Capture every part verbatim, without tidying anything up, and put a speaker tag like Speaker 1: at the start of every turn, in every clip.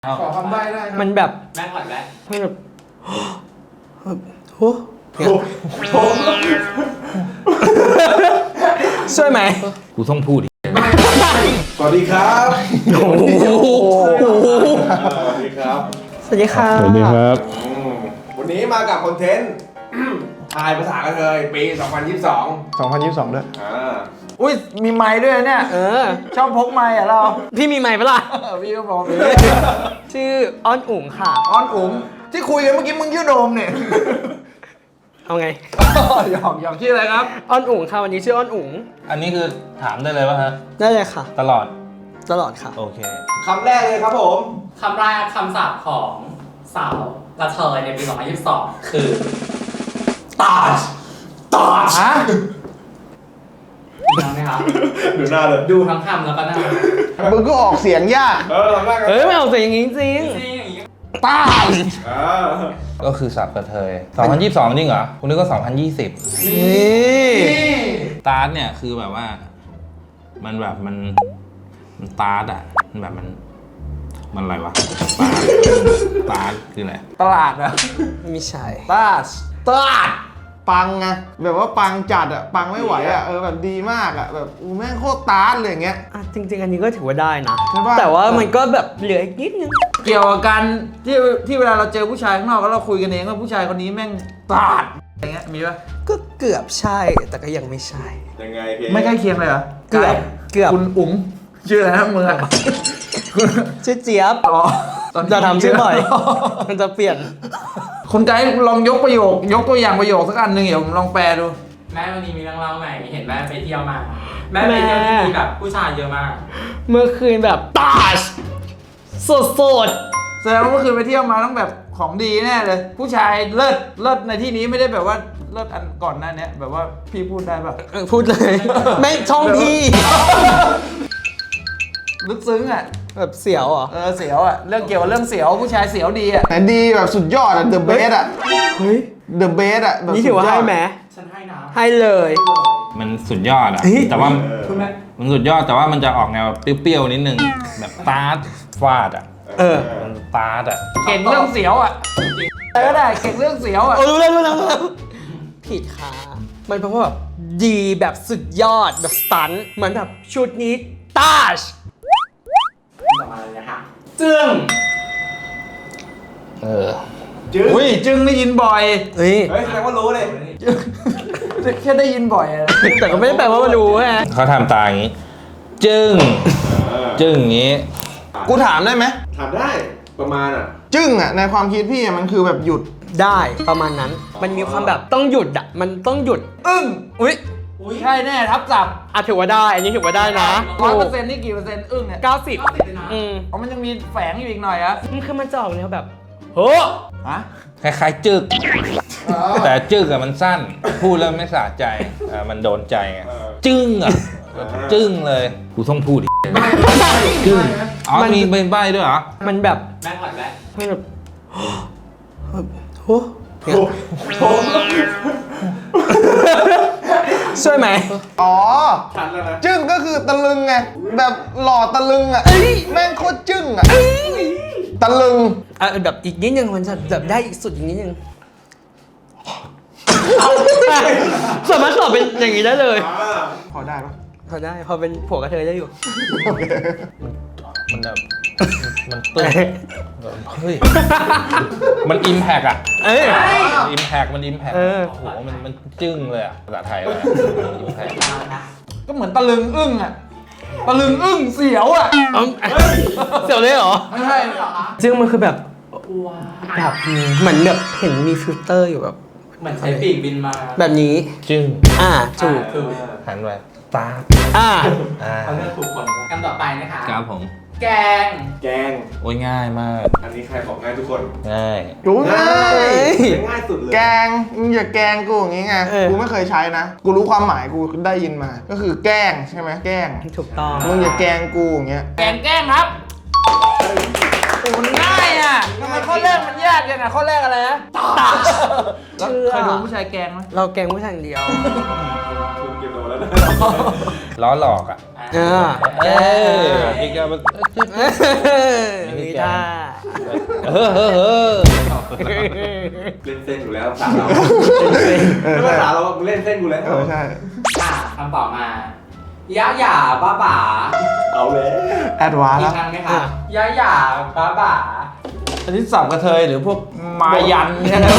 Speaker 1: ขอคำใบ้ได้ครับ
Speaker 2: มันแบบ
Speaker 3: แม่งก่อนแม่
Speaker 2: มันแบบโอ้ช่วยไหม
Speaker 4: กูต้องพูดดิ
Speaker 1: สวัสดีครับ
Speaker 2: โอ้โห
Speaker 1: สวัสดีครับ
Speaker 2: สวัสดีค่ะ
Speaker 4: สวัสดีครับ
Speaker 1: อืมวันนี้มากับคอนเทนต์ ทายภาษากระเทยปี สองพันยี่สิบสอง
Speaker 5: สองพันยี่สิบสองด้วย
Speaker 1: อ่า
Speaker 5: อุ้ย มีไม้ด้วยเนี่ย
Speaker 2: เออ
Speaker 5: ชอบพกไม้อะเรา
Speaker 2: พี่มีไมค์ปะล่ะ
Speaker 5: เออพี่ก็บอกเลย
Speaker 2: ชื่ออ้อนอุ๋งค่ะ
Speaker 5: อ้อนอุ๋งที่คุยกันเมื่อกี้มึงชื่อโดมเนี่ย
Speaker 2: เอาไง
Speaker 5: หยอกหยอกชื่ออะไรครับ
Speaker 2: อ้อนอุ๋งค่ะวันนี้ชื่ออ้อนอุ๋ง
Speaker 4: อันนี้คือถามได้เลยป่ะฮะ
Speaker 2: ได้เลยค่ะ
Speaker 4: ตลอด
Speaker 2: ตลอดค่ะ
Speaker 4: โอเค
Speaker 1: คำแรกเลยครับผม
Speaker 3: คำแรกคำศัพท์ของสาวกระเทยในปี สองพันยี่สิบสอง คือตาชตาช
Speaker 5: ฮะ
Speaker 3: ดูไหมครับ
Speaker 1: ดูหน้าเลย
Speaker 3: ดูทั้งคำแล้วก็หน้า
Speaker 5: มึงก็ออกเสียงยาก
Speaker 1: เออคำแรกกัน
Speaker 2: เอ้ยไม่เอาเสียงอย่างนี้จริง
Speaker 3: จริงอย่างนี้
Speaker 2: ตาย
Speaker 1: อ่า
Speaker 4: ก็คือสับกระเทยสองพันยี่สิบสองจริงเหรอคุณนึกว่าสองพันยี่สิบ
Speaker 2: นี่
Speaker 4: ตาร์ทเนี่ยคือแบบว่า มันแบบมัน มันตาร์ทอ่ะ มันแบบมัน มันอะไรวะ ตาร์ทตาร์ทคืออะไร
Speaker 5: ตลาดอะ
Speaker 2: ไม่ใช่
Speaker 5: ตาสตลาดปังไงแบบว่าปังจัดอะปังไม่ไหวอะเออแบบดีมากอะแบบอู้แม่งโคตรตาร์ทเลยอย่างเงี้ย
Speaker 2: อ่ะจริง ๆ อันนี้ก็ถือว่าได้นะ
Speaker 5: ใช่ปะ
Speaker 2: แต่ว่ามันก็แบบเหลืออีกนิดนึง
Speaker 5: เกี่ยวกับการที่ที่เวลาเราเจอผู้ชายข้างนอกแล้วเราคุยกันเองว่าผู้ชายคนนี้แม่งตาดอะไรเงี้ยมีปะ
Speaker 2: ก็เกือบใช่แต่ก็ยังไม่ใช่
Speaker 1: ยังไงพี่
Speaker 5: ไม่ใกล้เคียงเลยเหรอ
Speaker 2: เกือบเกือบ
Speaker 5: คุณอุ๋งชื่ออะไรนะมึงอะ
Speaker 2: ชื่อเจี๊ยบ
Speaker 5: อ๋อ
Speaker 2: จะทำชื่อบ่อย มันจะเปลี่ยน
Speaker 5: คนไกด์ลองยกประโยค ยกตัวอย่างประโยคสักอันหนึ่งเดี๋ยวผมลองแปลดู
Speaker 3: แม่วันนี้มีเรื่องเล่าใหม่เห็นแม่ไปเที่ยวมา แม่ไปเที่ยวที่มีแบบผู้ชายเยอะมาก
Speaker 2: เมื่อคืนแบบตาชสดสด
Speaker 5: แสดงว่าเมื่อคืนไปเที่ยวมาต้องแบบของดีแน่เลย ผู้ชายเลิศเลิศในที่นี้ไม่ได้แบบว่าเลิศอันก่อนหน้านี้แบบว่าพี่พูดได้ปะ
Speaker 2: ๆเออพูดเลย แม่งช่องพี่
Speaker 5: ลึกซึ้งอ่ะ
Speaker 2: แบบเสียวเหรอ
Speaker 5: เออเสียวอ่ะเรื่องเกี่ยวกับเรื่องเสียวผู้ชายเสียวดีอ่ะแต่ดีแบบสุดยอดอ่ะ the best อ่ะ
Speaker 2: เฮ้ย
Speaker 5: the best อ่ะแบบ
Speaker 2: นี่ถือว่าให้ไหม
Speaker 3: ฉันให้นะ
Speaker 2: ให้เลย
Speaker 4: มันสุดยอดอ่ะ
Speaker 2: เฮ้ย
Speaker 4: แต่ว่า
Speaker 3: คุณแม่
Speaker 4: มันสุดยอดแต่ว่ามันจะออกแนวเปรี้ยวๆนิดนึง แบบตาร์ทฟาดอ่ะ
Speaker 2: เออ
Speaker 4: มันตาร์ทอ่ะ
Speaker 5: เก่งเรื่องเสียวอ่ะอะไรก็ได้เก่งเรื่องเสียวอ่ะ
Speaker 2: โอ้รู้แล้วรู้แล้วรู้แล้วผิดค่ะ มันเพราะว่าแบบดีแบบสุดยอดแบบสตันท์เหมือนแบบชุดนี้ตาช
Speaker 3: ต่อมาเลยนะคะจึ้ง
Speaker 4: เออ
Speaker 1: จื้อ
Speaker 5: อุ้ยจึงได้ยินบ่อย
Speaker 2: เฮ้ย
Speaker 1: เฮ้ยแสดงว่ารู้เลย
Speaker 5: แค่ได้ยินบ่อยอะ
Speaker 2: แต่ก็ไม่ได้แปลว่ามันรู้ฮะ
Speaker 4: เขาทำตาอย่างนี้ จึ้ง จึ้งอย่างนี้
Speaker 5: กูถามได้ไหม
Speaker 1: ถามได้ประมาณอ่ะ
Speaker 5: จึ้งอ่ะในความคิดพี่อะมันคือแบบหยุด
Speaker 2: ได้ประมาณนั้น มันมีความแบบต้องหยุดอ่ะ มันต้องหยุด
Speaker 5: อึ้ง
Speaker 2: อุ้ย
Speaker 3: อุ้ย
Speaker 5: ใช่แน่ทับศัพท์
Speaker 2: อ่ะถือว่าได้ อันนี้ถือว่าได้นะ
Speaker 5: ร้อยเปอร์เซ็นต์นี่กี่เปอร์เซ็นต์อึ้งเนี่ย
Speaker 2: เก้าสิบ
Speaker 3: ก็ติดเลยนะ
Speaker 2: อืม
Speaker 5: อ๋อมันยังมีแฝงอยู่อีกหน่อยอะ
Speaker 2: มันคือมันจะออกแนวแบบโฮ้
Speaker 5: ฮะ
Speaker 4: คล้ายๆจึก แต่จึกอะมันสั้น พูดแล้วไม่สะใจอ่ามันโดนใจไง จึ้งอะแบบจึ้งเลย กูต้องพูดดิจึ้ง อ๋อ มีเป็นใบด้วยเหรอ
Speaker 2: มันแบบ
Speaker 3: แม่งก่อนแม่
Speaker 2: มันแบบโฮ้ช่วยไหม
Speaker 5: อ๋อ
Speaker 1: ชัดแล้วนะ
Speaker 5: จึ้งก็คือตะลึงไงแบบหล่อตะลึงอ่ะแม่งโคตรจึ้งอ่ะตะลึง
Speaker 2: อ่ะแบบอีกนิดนึงมันจะแบบได้อีกสุดอีกนิดนึงสามารถตอบเป็นอย่างนี้ได้เลย
Speaker 1: อ่า
Speaker 5: พอได้ปะ
Speaker 2: พอได้พอเป็นผัวกระเทยได้อยู่
Speaker 4: มันแบบ มันตึ้งแบบเฮ้ย มันอิมแพกอะ
Speaker 2: เอ้ย
Speaker 4: อิมแพกมันอิมแพก
Speaker 2: เออ
Speaker 4: โอ้โห มันมันจึ้งเลยอะภาษาไทยเลยอิมแพก
Speaker 5: ก็เหมือนตะลึงอึ้งอ่ะตะลึงอึ้งเสียวอ่ะ
Speaker 2: เอ้าเสียวเลยเหรอ
Speaker 5: ไม่ใช่
Speaker 2: ซึ่งมันคือแบบ
Speaker 3: ว้า
Speaker 2: แบบเหมือนแบบเห็นมีฟิลเตอร์อยู่แบบ
Speaker 3: เหมือนใช้ปีกบินมา
Speaker 2: แบบนี้
Speaker 4: จึ้ง
Speaker 2: อ่าถูก
Speaker 3: ถูก
Speaker 4: หันไปตา
Speaker 2: อ่า
Speaker 4: อ่า
Speaker 3: เขาเลือกถูกคนคำต่อไปนะคะ
Speaker 4: ครับผม
Speaker 3: แกง
Speaker 1: แกง
Speaker 4: โอ้ยง่ายมาก
Speaker 1: อันนี้ใครบอกง่ายทุกคน
Speaker 4: ง่าย
Speaker 5: ดูง่าย
Speaker 1: ง่ายสุดเลย
Speaker 5: แกงมึงอย่าแกงกูอย่างงี้ไง
Speaker 2: เออ
Speaker 5: กูไม่เคยใช้นะ กูรู้ความหมายกูได้ยินมา ก็คือแกล้งใช่ไหมแกล้ง
Speaker 2: ถูกต้อง
Speaker 5: มึงอย่าแกล้งกูอย่างเงี้ยแกงแกล้งครับโอ้มันง่ายอ่ะทำไมข้อแรกมันยากจังอ่ะข้อแรกอะไรนะ
Speaker 2: ตา
Speaker 5: แล้ว
Speaker 2: เชื่อ
Speaker 5: เคยดูผู้ชายแกล้งไหม
Speaker 2: เราแกงผู้ชายอย่างเดียว
Speaker 1: คุณเก็บโดนแล้ว
Speaker 4: ล้อหลอกอ่ะ
Speaker 2: อ่า
Speaker 4: เออพี่แกมัน
Speaker 2: มีท่า
Speaker 4: เออเออเออ
Speaker 1: เล่นเส้นอยู่แล้วสาวเราไม่ภาษาเราเล่นเส้นกูแล้ว
Speaker 5: เออใช่
Speaker 3: อ่ะคำตอบมา ยะหย่าบ้าบ่า
Speaker 1: เอาเลย
Speaker 5: แอดวานซ์
Speaker 3: อี
Speaker 5: แล้
Speaker 3: ก
Speaker 5: ว
Speaker 3: ครั้งไหมคะยะหย่าบ้าบ่า
Speaker 5: อันนี้สับกระเทยหรือพวกมายันเนี่ยนะ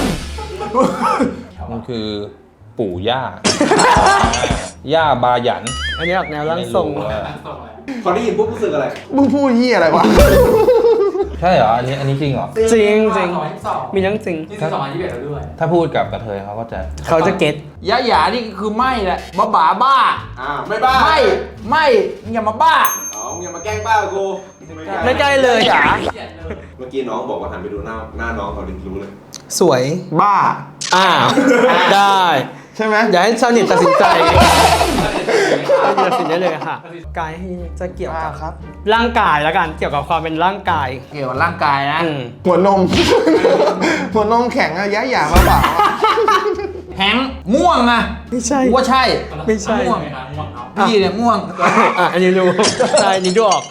Speaker 4: มันคือปู่ย่า ย่าบาหยัน
Speaker 2: อันนี้ออกแนวร่างทรง
Speaker 4: ไม่ว่า
Speaker 3: ตั้งส่งเลย
Speaker 1: พอได้ยินปุ๊บรู้สึกอะไร
Speaker 5: มึงพูดยี่อะไรวะ
Speaker 4: ใช่เหรอ อันนี้อันนี้จริงเหรอ
Speaker 2: จริงจริง
Speaker 3: สองพันยี่สิบสอง
Speaker 2: มีทั้งจริง
Speaker 3: จริงๆสองพันยี่สิบเอ็ดแล้วด้วย
Speaker 4: ถ้าพูดกับกระเทยเขาก็จะ
Speaker 2: เขาจะเก็ต
Speaker 5: ยะหยานี่คือไม่แหละบ้าบ้าบ้า
Speaker 1: อ่าไม่บ้า
Speaker 5: ไม่ไม่อย่ามาบ้า
Speaker 1: อ๋อมึงอย่ามาแกล้งบ้ากู
Speaker 2: ไม่ใกล้เลย
Speaker 5: หยา
Speaker 3: เขียนเลย
Speaker 1: เมื่อกี้น้องบอกว่าหันไปดูหน้าหน้าน้องเขาดิรู้เลย
Speaker 2: สวย
Speaker 5: บ้า
Speaker 2: อ้าวได้
Speaker 5: ใช่ไหม
Speaker 2: อย่าให้ชาวเน็ตตัดสินใจตัดสินได้เลยค่ะ กายจะเกี่ยว
Speaker 5: อ่า
Speaker 2: กับ
Speaker 5: ครับ
Speaker 2: ร่างกายแล้วกัน เกี่ยวกับความเป็นร่างกาย
Speaker 5: เกี่ยวกับร่างกายนะ
Speaker 2: อืม
Speaker 6: หัวนม หัวนมแข็งอะยะหยาบ้าเปล่า
Speaker 5: แฮงค์ม่วงอะ
Speaker 2: ไม่ใช่
Speaker 5: กูว่าใช่
Speaker 2: ไม่ใช่
Speaker 3: ง่วงไหมคะง่วงเนาะ
Speaker 5: พี่เนี่ยม่วง
Speaker 2: อ่ะอันนี้รู้ใช่อันนี้ดูออก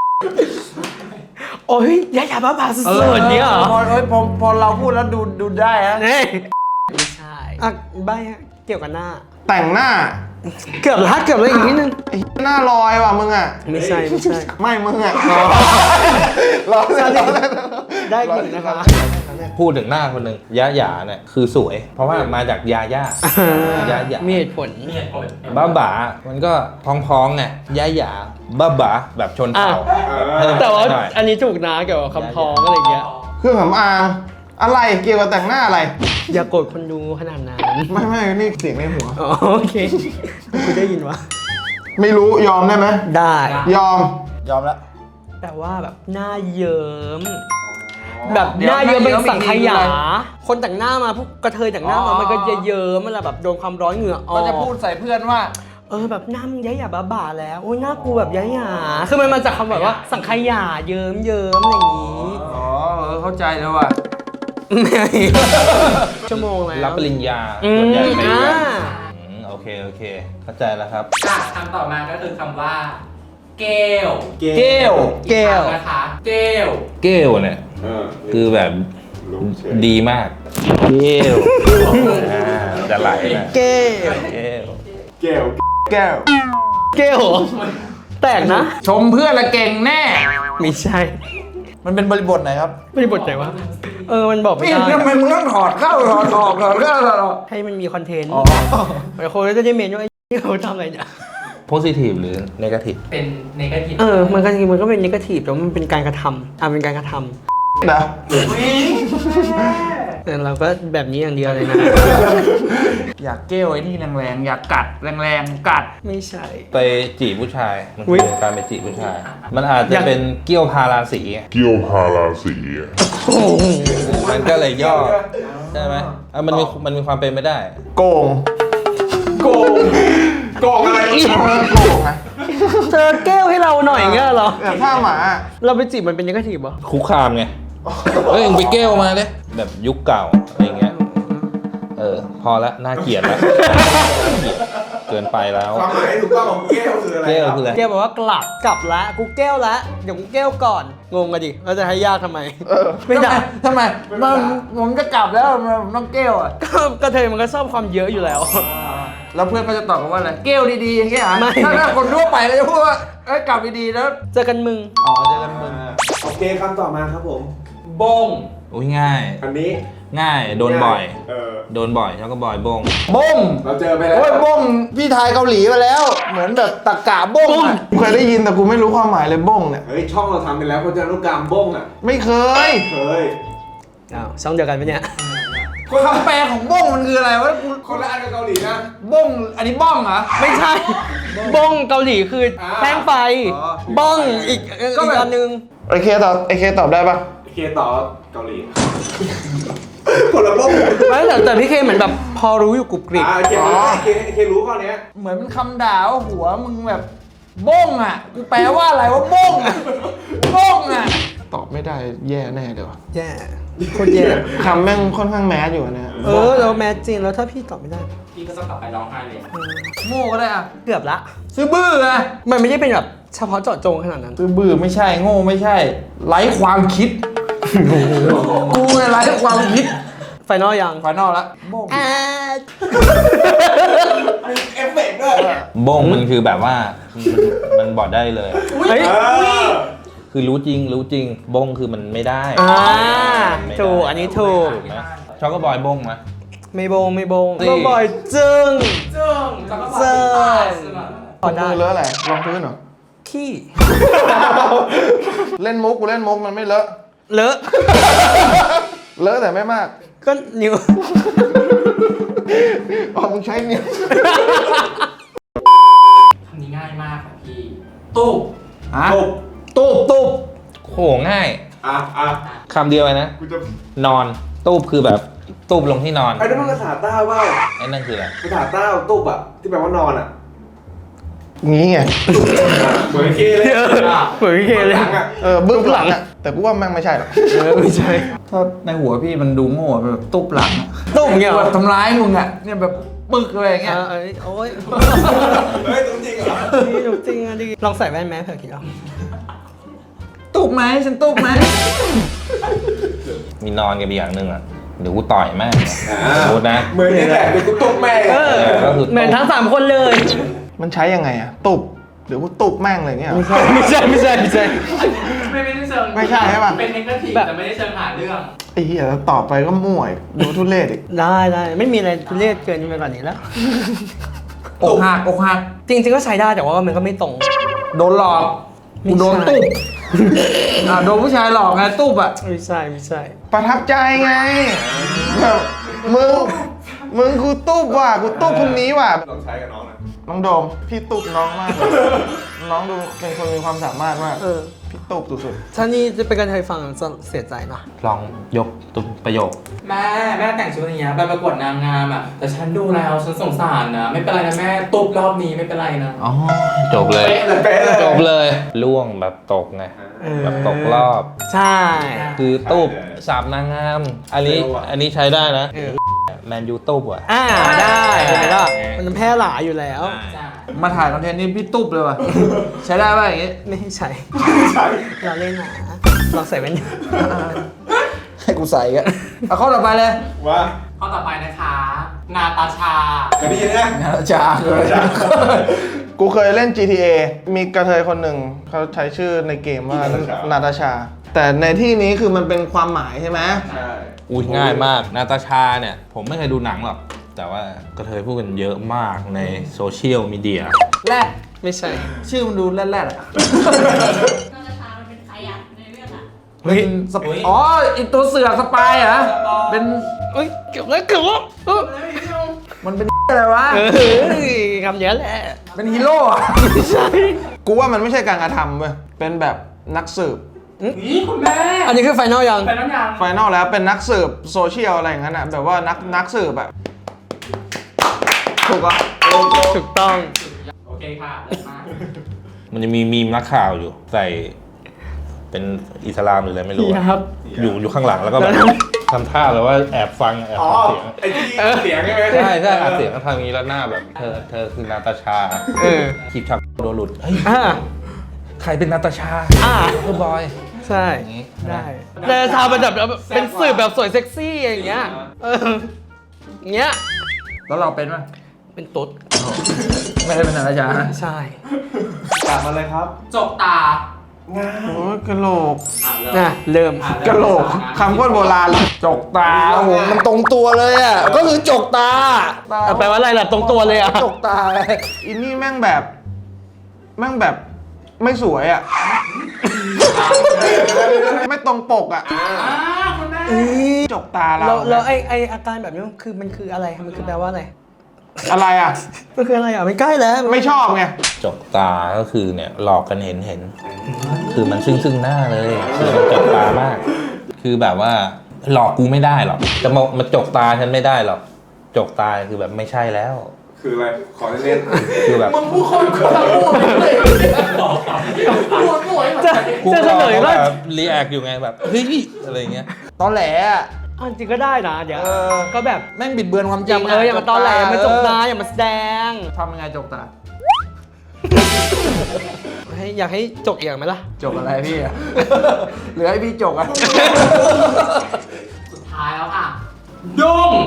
Speaker 2: โอ้ยยายาบ้าบาสุดๆเนี่ยเหรอ
Speaker 5: พอเอ้ยพอพอเราพูดแล้วดูดูได้ฮะ
Speaker 2: นี่ไม่ใช่อ่ะใบอะเกี่ยวกับหน้า
Speaker 6: แต่งหน้า
Speaker 2: เกือบละเกือบละอีกนิดนึง
Speaker 6: ไอ้หน้าลอยว่ะมึงอะ
Speaker 2: ไม่ใช่ไม่ใช่
Speaker 6: ไม่มึงอะรอเล่นรอเล่น
Speaker 2: ได้หนึ่งนะคะ
Speaker 4: พูดถึงหน้าคนหนึ่งยะหยาเนี่ยคือสวย เพราะว่ามาจากยาย่า ยะหยา
Speaker 2: มีเหตุผล
Speaker 3: มีเหตุผล
Speaker 4: บ้าบ่ามันก็พองๆไงยะหยาบ้าบ่าแบบชนเผ่า
Speaker 2: อ่ะ
Speaker 4: เพิ่ม
Speaker 2: แต่ว่า
Speaker 4: หน่อย
Speaker 2: อันนี้ถูกนะเกี่ยวกับคำพ้องอะไรอย่างเงี้ย
Speaker 6: เครื่องสำอางอะไรเกี่ยวกับแต่งหน้าอะไร
Speaker 2: อย่าโกรธคนดูขนาดนั้น
Speaker 6: ไม่ไม่นี่เสียงในหัว
Speaker 2: อ๋อโอเคกูได้ยินวะ
Speaker 6: ไม่รู้ยอมได้ไหม
Speaker 2: ได้
Speaker 6: ยอม
Speaker 5: ยอมแล้ว
Speaker 2: แต่ว่าแบบหน้าเยิ้มแบบหน้าเยิ้มเป็นสังขยา คนแต่งหน้ามาพวกกระเทยแต่งหน้ามามันก็จะเยิ้มเวลาแบบโดนความร้อนเหงื่อออก
Speaker 5: ก็จะพูดใส่เพื่อนว่า
Speaker 2: เออแบบหน้ามึงยะหยาบ้าบ่าแล้วโอ้ยหน้ากูแบบยะหยาคือมันมาจากคำแบบว่าสังขยาเยิ้มเยิ้มอะไรอย่างงี้
Speaker 5: อ๋อเออเข้าใจแล้วว่ะ
Speaker 2: ไม่ชั่วโมงแล้ว
Speaker 4: รับปริญญา
Speaker 2: อืม
Speaker 4: ส่วนใหญ่ไปเรียน
Speaker 2: อ่า
Speaker 4: อืมโอเคโอเค เข้าใจแล้วครับ
Speaker 3: อ่ะคำต่อมาก็คือคำว่า เกล
Speaker 1: เก
Speaker 5: เกล
Speaker 2: แก้ว
Speaker 3: อีครั้งนะคะ เกล
Speaker 4: เกลเนี่ย
Speaker 1: เออ
Speaker 4: คือแบบ
Speaker 1: รู้เฉย
Speaker 4: ดีมากเกลอ่าจะไหลนะ
Speaker 2: แก้ว
Speaker 4: เกล
Speaker 1: เกล
Speaker 6: แก้ว
Speaker 2: แก้วเหรอแตกนะ
Speaker 5: ชมเพื่อนละเก่งแน่
Speaker 2: ไม่ใช่
Speaker 5: มันเป็นบริบทไหนครับ
Speaker 2: ไม่ได้บทไหนวะเออมันบอกไม่
Speaker 5: พี่
Speaker 2: ได้
Speaker 5: ทำไมมึงต้องถอดเข้าถอดออกถอดเข้าถอดออก
Speaker 2: ให้มันมีคอนเทนต์
Speaker 5: อ๋อ
Speaker 2: หลายคนก็จะได้เมนว่าไอ้ที่เขาทำอะไรเนี่ย
Speaker 4: โพซิทีฟหรือเนกาทีฟ
Speaker 3: เป็นเนกาทีฟ
Speaker 2: เออมันก็จริงมันก็เป็นนิเกทีฟแต่ว่ามันเป็นการกระทำอ่ะเป็นการกระท
Speaker 6: นะ
Speaker 2: ำแต่เราก็แบบนี้อย่างเดียวเลยนะ
Speaker 5: อยากเก้วไอ้นี่แรงๆ อยากกัดแรงๆ กัด
Speaker 2: ไม่ใช่
Speaker 4: ไปจีบผู้ชาย มัน
Speaker 2: อุ๊
Speaker 4: คื
Speaker 2: ย
Speaker 4: อการไปจีบผู้ชาย มันอาจ
Speaker 2: อ
Speaker 4: จะ
Speaker 2: ยาก
Speaker 4: เป็นเกี้ยวพาราสี
Speaker 7: เกี่ยวพาราสี
Speaker 4: มันก็เลยย่อใช่ไหมอ่ะมันมีมันมีความเป็นไม่ได้
Speaker 6: โกง
Speaker 1: โกงโกงอะไร
Speaker 6: เออโกงไง
Speaker 2: เธอแก้วให้เราหน่อยเงี้ยเหรอ
Speaker 6: แบบผ้าหมา
Speaker 2: เราไปจีบมันเป็นนิเกทีฟเหรอ
Speaker 4: คุกคามไง เฮ้ยมึงไปเกลมาเลยแบบยุคเก่าอะไรเงี้ย เออ พอละน่าเกลียดละน่าเกลียดเกินไปแล้ว
Speaker 1: ความหมายถูกต้องของเกลคืออะไร
Speaker 4: เกล
Speaker 1: ครับ
Speaker 4: คืออะไร
Speaker 2: แก้วบอกว่ากลับกลับละกูแก้วละเดี๋ยวกูแก้วก่อนงงอะดิเราจะให้ยากทำไมไม่ได้
Speaker 5: ทำไมมันผมจะกลับแล้วมันต้องเก้วอ่ะ
Speaker 2: ก็กระเทยมันก็ชอบความเยอะอยู่แล้ว
Speaker 5: แล้วเพื่อนก็จะตอบกันว่าอะไร เก้วดีๆอย่างเงี้ยเหรอ
Speaker 2: ไม่
Speaker 5: ถ้าถ้าคนทั่วไปก็จะพูดว่าเอ้ยกลับดีๆแล้ว
Speaker 2: เจอกันมึง
Speaker 5: อ๋อเจอกันมึง
Speaker 1: โอเคคำต่อมาครับผม
Speaker 3: บง
Speaker 4: อุ้ยง่าย
Speaker 1: อันนี้
Speaker 4: ง่าย โดนบ่อย
Speaker 1: เออ
Speaker 4: โดนบ่อยแล้วก็บ่อยบง
Speaker 5: บ้ง
Speaker 1: เราเจอไปแล้ว
Speaker 5: โอ้ยบ้งพี่ไทยเกาหลีมาแล้ว เหมือนแบบตะกะบ้งอะ
Speaker 6: กูเคยได้ยินแต่กูไม่รู้ความหมายเลยบ้งเนี่ย
Speaker 1: เฮ้ยช่องเราทำไปแล้วพจนานุกรรมบ้งอ่ะ
Speaker 6: ไม่เคย
Speaker 1: เคย
Speaker 2: อ้าวช่องเดียวกันปะเนี่ย
Speaker 5: คำแปลของบ้งมันคืออะไรวะกู
Speaker 1: คนละอันกับเกาหลีนะ
Speaker 5: บ้งอันนี้บ้องเหรอ
Speaker 2: ไม่ใช่ บ้องเกาหลีคืออา แท่งไฟ
Speaker 5: อ๋อ
Speaker 2: บ้องอีกอีก
Speaker 5: ก็แบบ
Speaker 2: อันนึง
Speaker 6: ไอเคตอบไอเคตอบได้ปะ
Speaker 1: เคต่อเกาหลี คนละบ้ง
Speaker 2: ไม่แต่แต่พี่เคเหมือนแบบพอรู้อยู่กรุบกริบ
Speaker 1: อ่าเครู้เคเครู้ข้อเนี้ย
Speaker 5: เหมือนเป็นคำด่าว่าหัวมึงแบบบ้งอ่ะ กูแปลว่าอะไรว่าบ้งอ่ะบ้งอ่ะ
Speaker 6: ตตอบไม่ได้แย่แน่เลยวะ
Speaker 2: แย่โคตรแย่
Speaker 6: คำแม่งค่อนข้างแมสอยู่นะ
Speaker 2: เออแล้วแมสจริงแล้วถ้าพี่ตอบไม่ได้
Speaker 3: พี่ก็ต้องกลับไปร้องไห้เลย
Speaker 5: โง่ก็ได้อะ
Speaker 2: เกือบละ
Speaker 5: ซื้อบื้อไง
Speaker 2: มันไม่ได้เป็นแบบเฉพาะเจาะจงขนาดนั้น
Speaker 5: ซื้อบื้อไม่ใช่โง่ไม่ใช่ไร้ความคิดกูเนี่ยไร้ความคิด
Speaker 2: ไฟนอลยัง
Speaker 5: ไฟนอลละโบ้ง
Speaker 2: อ่า
Speaker 1: เอฟเฟกต์ด้วย
Speaker 4: บงมันคือแบบว่ามันมันบอกได้เลย
Speaker 2: เฮ้ย
Speaker 4: คือรู้จริงรู้จริงบงคือมันไม่ได้
Speaker 2: อ่า
Speaker 4: ไม่ได้
Speaker 2: ถูกอันนี้ถูก
Speaker 4: ถูกไหมช็อกโกบอยบงไหม
Speaker 2: ไม่โบงไม่โบง
Speaker 4: นี่
Speaker 2: ก็บ่อยจึง
Speaker 3: จึงแล้วก็บอก
Speaker 2: เซิร์ฟ
Speaker 6: พอมือเลอะอะไรรองพื้นเหรอ
Speaker 2: ขี้
Speaker 6: เล่นมุกกูเล่นมุกมันไม่เลอะ
Speaker 2: เลอะ
Speaker 6: เลอะแต่ไม่มาก
Speaker 2: ก็นิ้ว
Speaker 6: อ๋อมึงใช้นิ้ว
Speaker 3: คำนี้ง่ายมากค่ะพี่ตู้
Speaker 5: ฮะ
Speaker 1: ตุบ
Speaker 5: ตูบตูบ
Speaker 4: โหง่าย
Speaker 1: อ่ะอ่ะ
Speaker 4: คำเดียวเลยนะ
Speaker 1: กูจะ
Speaker 4: นอนตูบคือแบบตูบลงที่นอน
Speaker 1: ไอ้นั่นมันภาษาใต้เปล่า
Speaker 4: ไอ้นั่นคืออะไร
Speaker 1: ภาษาใต้ตุบอ่ะที่แปลว่านอนอ่ะ
Speaker 6: งี้ไง
Speaker 1: เหมือนเคเลย
Speaker 2: เหมือนพี่เคเลย
Speaker 1: หลังอ่ะ
Speaker 6: เออบึ้งหลังอะแต่กูว่าแม่งไม่ใช่หรอก
Speaker 2: เออไม่ใช่
Speaker 5: ถ้าในหัวพี่มันดูโง่แบบตูบหลังอะ
Speaker 2: ตุ้มเงี้ยเหร
Speaker 5: แบ
Speaker 2: อบ
Speaker 5: ทำร้ายมึงอะเนี่ยแบบปึกอะไรอย่างเงี้ย
Speaker 2: อ่าเอ้ยโอ้ย
Speaker 1: เฮ้ยจริงเหรอ
Speaker 2: นี่หนูจริงอ่ะดิลองใส่แว่นแมสเผื่อคิดเอา
Speaker 5: ตูบไหมฉันตูบไหม
Speaker 4: มีนอนกันอีกอย่างหนึ่งอ่ะเดี๋ยวกูต่อยแม่งสมมตินะ
Speaker 1: เหมือนนี่แหละเดี๋ยวกูตุบแม่ง
Speaker 2: เออ
Speaker 4: ก็คือ
Speaker 2: เหมือนทั้งสามคนเลย
Speaker 6: มันใช้ยังไงอะตุบหรือกูตุบแม่งอะไรเงี้ยเหรอ
Speaker 2: ไม่ใช่ไม่ใช่ไม่ใช่
Speaker 3: ไม่ไม่ได้เชิง
Speaker 6: ไม่ใช่ใช่ปะ
Speaker 3: เป็นเทคนิค
Speaker 2: แบบ
Speaker 3: แต่ไม่ได้เชิงหาเรื่อง
Speaker 6: ไอ้เหี้ยแล้วต่อไปก็มั่วอีกดูทุเรศอีก
Speaker 2: ได้ได้ไม่มีอะไรทุเรศเกินไปกว่านี้แล้ว
Speaker 5: อกหักอกหัก
Speaker 2: จริงๆก็ใช้ได้แต่ว่ามันก็ไม่ตรง
Speaker 5: โดนหลอกกูโดนตูบอ่ะโดนผู้ชายหลอกไงตูบอะ
Speaker 2: ไม่ใช่ไม่ใช่
Speaker 6: ประทับใจไงแบบมึงมึงกูตุบว่ะกูตุบคนนี้ว่ะ
Speaker 1: ลองใช้กับน้องหน่อย
Speaker 6: น้องโดมพี่ตุบน้องมากเลยน้องดูเป็นคนมีความสามารถมาก
Speaker 2: เออ
Speaker 6: พี่ตุบสุด
Speaker 2: ถ้านี่จะเป็นการเคยฟังจะเสียใจนะ
Speaker 4: ลองยกตุบประโยค
Speaker 3: แม่แม่แต่งชุดอย่างเงี้ยไปประกวดนางงามอ่ะแต่ฉันดูแล้วฉันสงสารนะไม่เป็นไรนะแม่ตุบรอบนี้ไม่เป็นไรนะ
Speaker 4: อ๋อ จบเลย
Speaker 1: เป๊ะเลยเป๊ะเลย
Speaker 4: จบเลย ล่วงแบบตกไง
Speaker 2: เออ
Speaker 4: แบบตกรอบ
Speaker 2: ใช่
Speaker 4: คือตูบสาบนางงาม อันนี้
Speaker 1: เร็วอะ
Speaker 4: อันนี้ใช้ได้นะ
Speaker 2: เออ
Speaker 4: แมนยูตูบว่ะ
Speaker 2: อ่าได้เห็นไหมล่ะมันแพร่หลายอยู่แล้ว
Speaker 3: จ้า
Speaker 5: มาถ่ายคอนเทนต์นี้พี่ตูบเลยว่ะใช้ได้ป่ะอย่างงี้
Speaker 2: ไม่ให้ใช้
Speaker 1: ใช้
Speaker 2: เราเล่นนะลองใส่แว่น
Speaker 5: ให้กูใส่กันเอาข้อต่อไปเลย
Speaker 1: ว่า
Speaker 3: ข้อต่อไปนะคะ นาตาชา
Speaker 1: เคยได้ยินไหม
Speaker 5: งานจ้าเลย
Speaker 6: ๆ กูเคยเล่น จี ที เอ มีกระเทยคนหนึ่งเขาใช้ชื่อในเกมว่านาตาชา แต่ในที่นี้คือมันเป็นความหมายใช่ไหม
Speaker 1: ใช่
Speaker 4: อุ้ยง่ายมาก นาตาชาเนี่ย ผมไม่เคยดูหนังหรอก แต่ว่ากระเทยพูดกันเยอะมากในโซเชียลมีเดีย
Speaker 5: แรด
Speaker 2: ไม่ใช่
Speaker 5: ชื่อมันดูแรดๆอะ
Speaker 7: นาตาชา มันเป็นใครอ่ะในเรื่องอ่ะ
Speaker 5: เป็นสปอ๋อไอีตัวเสือกสปายเหรอเป็น
Speaker 2: เอ้ยเกือบแล้วเกือบแล้วเออ
Speaker 5: มันเป็นอะไรวะ
Speaker 2: เออคำเนี้ยแหละ
Speaker 5: เป็นฮีโร่อะ
Speaker 2: ไม่ใช่
Speaker 6: กูว่ามันไม่ใช่การกระทำเว้ยเป็นแบบนักสืบ
Speaker 3: นี่คุณแม่
Speaker 2: อันนี้คือไฟนอลยัง
Speaker 3: ไปน้ำยาง
Speaker 6: ไฟนอลแล้วเป็นนักสืบโซเชียลอะไรอย่างนั้นอ่ะแบบว่านักนักสืบแบบถูกอ่ะ
Speaker 2: ถูกต้อง
Speaker 3: โอเคค่ะเลิศมาก
Speaker 4: มันจะมีมีมนักข่าวอยู่ ใส่เป็นอิสลามหรืออะไรไม่รู้อะ
Speaker 2: ครับ
Speaker 4: อยู่อยู่ข้างหลังแล้วก็แบบทำท่าแบบว่าแอบฟังแอบ
Speaker 1: อ๋อ
Speaker 4: ฟังเสียง
Speaker 1: ไอ้ที่เสียงใช่ไหม
Speaker 4: ใช่ใช่อัดเสียงก็ทำอย่างนี้แล้วหน้าแบบเธอเธอคือนาตาชา
Speaker 2: เออ
Speaker 4: คลิปชักโดนหลุดเฮ้ย
Speaker 2: อ่า
Speaker 4: ใครเป็นนาตาชา
Speaker 2: อ่า
Speaker 4: คือบอย
Speaker 2: ใช่
Speaker 4: อย่างงี้
Speaker 2: ได้แต่ชาวเป็นแบบเป็นสื่อแบบสวยเซ็กซี่อย่างเงี้ย เอออย่างเงี้ย
Speaker 5: แล้วเราเป็นป่ะ
Speaker 2: เป็นตุ๊ด
Speaker 5: ไม่ได้เป็นนาตาชานะ
Speaker 2: ใช่
Speaker 1: กลับมาเลยครับ
Speaker 3: จกตา
Speaker 1: ง่าย
Speaker 6: โอ้ยกระโหลก
Speaker 3: อ่ะเริ่ม
Speaker 2: น่ะเริ่ม
Speaker 3: อ่
Speaker 6: กระโหลกคำโคตรโบราณเลย
Speaker 5: จกตา
Speaker 6: โอ้โหมันตรงตัวเลยอ่ะก็คือจกตา
Speaker 2: เอาแปลว่าอะไรล่ะตรงตัวเลยอ่ะ
Speaker 6: จกตาอินนี่แม่งแบบแม่งแบบไม่สวยอ่ะ ไม่ตรงปกอ่ะ
Speaker 3: อ่าคุณแม่
Speaker 6: จกตาเรา
Speaker 2: แล้วแล้วไอไออาการแบบนี้มันคือมันคืออะไรมันคือแปลว่าอะไร
Speaker 6: อะไรอ่ะ
Speaker 2: มันคืออะไรอ่ะไม่ใกล้แล้ว
Speaker 6: ไม่ชอบไง
Speaker 4: จกตาก็คือเนี่ยหลอกกันเห็นเห็น คือมันซึ่งซึ่งหน้าเลยคือมันจกตามาก คือแบบว่าหลอกกูไม่ได้หรอกจะมามาจกตาฉันไม่ได้หรอกจกตาคือแบบไม่ใช่แล้ว
Speaker 1: คืออะไร ขอเล่น
Speaker 4: คือแบบ
Speaker 5: มึงพูดคนคนละพูดเลย
Speaker 3: หัวสวยเหมือน
Speaker 2: จะ
Speaker 3: กัน
Speaker 4: กู
Speaker 2: จะ
Speaker 4: ก็
Speaker 2: เฉลย
Speaker 4: แบ
Speaker 2: ว่า
Speaker 4: บรีแอคอยู่ไงแบบเฮ้ยอะไรเงี้ย
Speaker 5: ตอนแหลอ่ะ
Speaker 2: อ่ะจริงก็ได้นะเดี๋ยว
Speaker 5: เออ
Speaker 2: ก็แบบ
Speaker 5: แม่งบิดเบือนความจ
Speaker 2: อ
Speaker 5: ริ
Speaker 2: ย่าง เอออย่ามาตอนแหลอย่ามาจกตาอย่ามาแสดง
Speaker 5: ทำยังไงจกตา
Speaker 2: ให้อยากให้จกอย่างไหมล่ะ
Speaker 5: จกอะไรพี่อ่ะ เหลือให้พี่จกอ่ะ
Speaker 3: สุดท้ายแล้วค่ะ ดุ้ง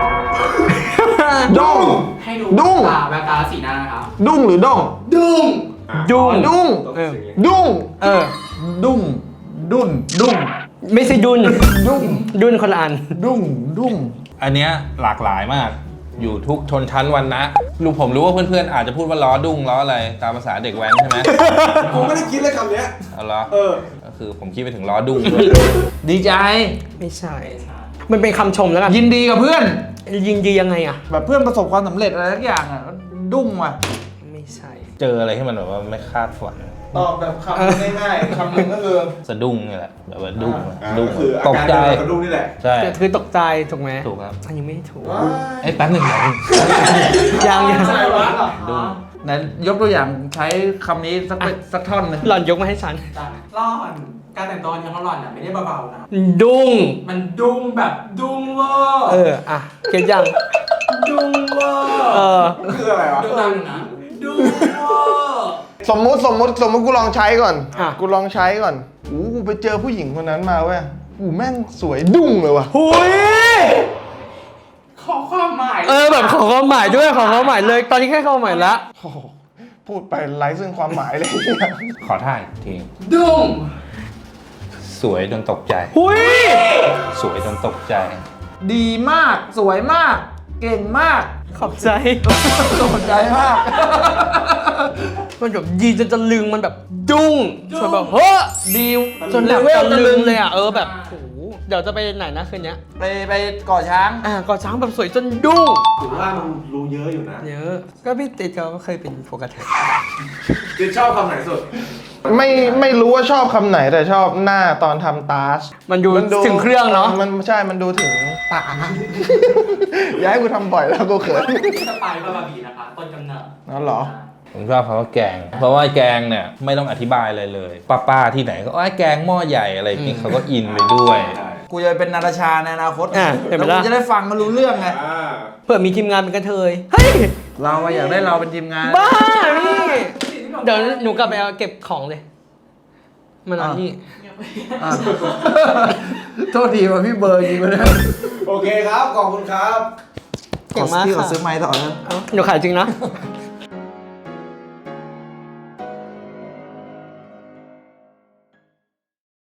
Speaker 6: ด้ง
Speaker 3: ให้ดู
Speaker 6: ดุ้ง
Speaker 3: ตาแววตาและสีหน้านะครับ
Speaker 6: ดุ้งหรือด้ง
Speaker 3: ดุ้ง
Speaker 2: ดุ้ง
Speaker 6: ดุ้ง
Speaker 2: เออ
Speaker 6: ดุ้ง
Speaker 2: เออ
Speaker 5: ดุ้ง ดุ้น ดุ้ง
Speaker 2: ไม่ใช่ดุน
Speaker 5: ดุ้ง
Speaker 2: ดุนคนละอัน
Speaker 5: ดุ้ง ดุ้ง
Speaker 4: อันเนี้ยหลากหลายมาก อยู่ทุกชนชั้นวรรณะลูกผมรู้ว่าเพื่อนๆอาจจะพูดว่าล้อดุ้งล้ออะไรตามภาษาเด็กแว้นใช่ไหม
Speaker 1: ผมไม่ได้คิดเลยคำเนี้ย
Speaker 4: เอาล้อ
Speaker 1: เออ
Speaker 4: ก็คือผมคิดไปถึงล้อดุ้งด้วย
Speaker 5: ดีใจ
Speaker 2: ไม่ใช่ มันเป็นคำชมแล้วกัน
Speaker 5: ยินดีกับเพื่อน
Speaker 2: ยิงดียังไงอ่ะ
Speaker 5: แบบเพื่อนประสบความสำเร็จอะไรสักอย่างอ่ะ ดุ้งว่ะ
Speaker 2: ไม่ใช่
Speaker 4: เจออะไรที่มันแบบว่าไม่คาดฝัน
Speaker 6: ตอบแบบคำง่ายๆคำหนึ่งก็คือ
Speaker 4: สะดุ้งนี่แหละแบบว่าดุ้ง
Speaker 1: อ่า
Speaker 4: ดุ้ง
Speaker 1: ก็คืออา
Speaker 4: ตก
Speaker 1: การ
Speaker 4: ใจ
Speaker 1: เดินกระดุ้งนี่แหละ
Speaker 4: ใช่
Speaker 2: คือตกใจถูกไหม
Speaker 4: ถูกครับ
Speaker 2: อันยังไม่ถูก
Speaker 4: ไอ้ยแป๊บหนึ่งอย่าง
Speaker 2: ยังยัง
Speaker 4: ดุ้ง
Speaker 5: ไหนยกตัวอย่างใช้คำนี้สักเป็นสักท่อนหนึ่ง
Speaker 2: หล่อนยกมาให้ฉัน
Speaker 3: ร่อนการแต่งตัวเนี่ยเขาหล่อนเนี่ยไม่ได้เบาๆนะ
Speaker 2: ดุ้ง
Speaker 3: มันดุ้งแบบดุ้งเวอร์
Speaker 2: เออ อ่ะเก็ตยัง
Speaker 3: ดุ้งเวอร์
Speaker 2: เออ
Speaker 1: คืออะไรวะ
Speaker 3: ดุ้งดังนะดุ้งเวอร์
Speaker 6: สมมุติสมมุติสมมุติกูลองใช้ก่อน
Speaker 2: อ่ะ
Speaker 6: กูลองใช้ก่อนอู้กูไปเจอผู้หญิงคนนั้นมาเว้ยอู้แม่งสวยดุ้งเลยว่ะ
Speaker 2: หุย
Speaker 3: ขอความหมาย
Speaker 2: เออแบบขอความหมายด้วยขอความหมายเลย ตอนนี้แค่ความหมายละ
Speaker 6: โอ้โหพูดไปไร้ซึ่งความหมายเลย
Speaker 4: ขอท่าอีกที
Speaker 3: ดุ้ง
Speaker 4: สวยจนตกใจ
Speaker 2: หุย
Speaker 4: สวยจนตกใจ
Speaker 5: ดีมาก สวยมาก เก่งมาก
Speaker 2: ขอบใจ
Speaker 5: สนใจมาก
Speaker 2: มันแบบยีจนจะลึงมันแบบดุ้งจนแบบเฮ้อ
Speaker 5: ดีจ
Speaker 2: จ
Speaker 5: น
Speaker 2: น
Speaker 5: เล
Speaker 2: แบบ
Speaker 5: เวล
Speaker 2: ตะ
Speaker 5: ตะ
Speaker 2: ลึ
Speaker 5: ลึ
Speaker 2: ง
Speaker 5: ง
Speaker 2: เลยอ่ะเออแบบโหเดี๋ยวจะไปไหนนะคืนเนี้ย
Speaker 5: ไปไปก่อช้าง
Speaker 2: อ่ะก่อช้างแบบสวยจนดุ้ง
Speaker 1: ถือว่ามันรู้เยอะอยู่นะ
Speaker 2: เยอะก็พี่ติดก็เคยเป็นโฟกัสเทส
Speaker 1: คือชอบคำไหนสุด
Speaker 6: ไม่ไม่รู้ว่าชอบคำไหนแต่ชอบหน้าตอนทำตาส
Speaker 2: มันดูถึงเครื่องเนาะ
Speaker 6: มันใช่มันดูถึงตา อย่าให้กูทำบ่อยแล้วกูเขิน
Speaker 3: สไปร์บาบาบีนะคะต้นกำเนิด
Speaker 6: นั่นเหรอ
Speaker 4: ผมชอบคำว่าแกง เพราะว่าแกงเนี่ยไม่ต้องอธิบายอะไรเลย ป้าๆที่ไหนก็ไอ้ยแกงหม้อใหญ่อะไรอย่างนี้เขาก็อินไปด้วย
Speaker 5: กูจะเป็นนาตาชาในอนาคต
Speaker 2: อ่ะเห็นไหม
Speaker 5: แล้ว
Speaker 2: ล่ะ
Speaker 5: กูจะได้ฟังมารู้เรื่องไง
Speaker 1: อ่า
Speaker 2: เผื่อมีทีมงานเป็นกระเทยเฮ้ย
Speaker 5: เราอะอยากได้เราเป็นทีมงาน
Speaker 2: บ้าพี่เดี๋ยวหนูกลับไปเอาเก็บของเลยมานอนนี่
Speaker 5: อ่ะ โทษทีว่าพี่เบอร์จริงไปเลย
Speaker 1: โอเคครับ ขอบคุณครับ
Speaker 2: เก่งมาก
Speaker 5: พี่ขอ
Speaker 2: ค่ะ
Speaker 5: ซื้อไม้ต่อนะ
Speaker 2: เอ้าหนูขายจริงนะ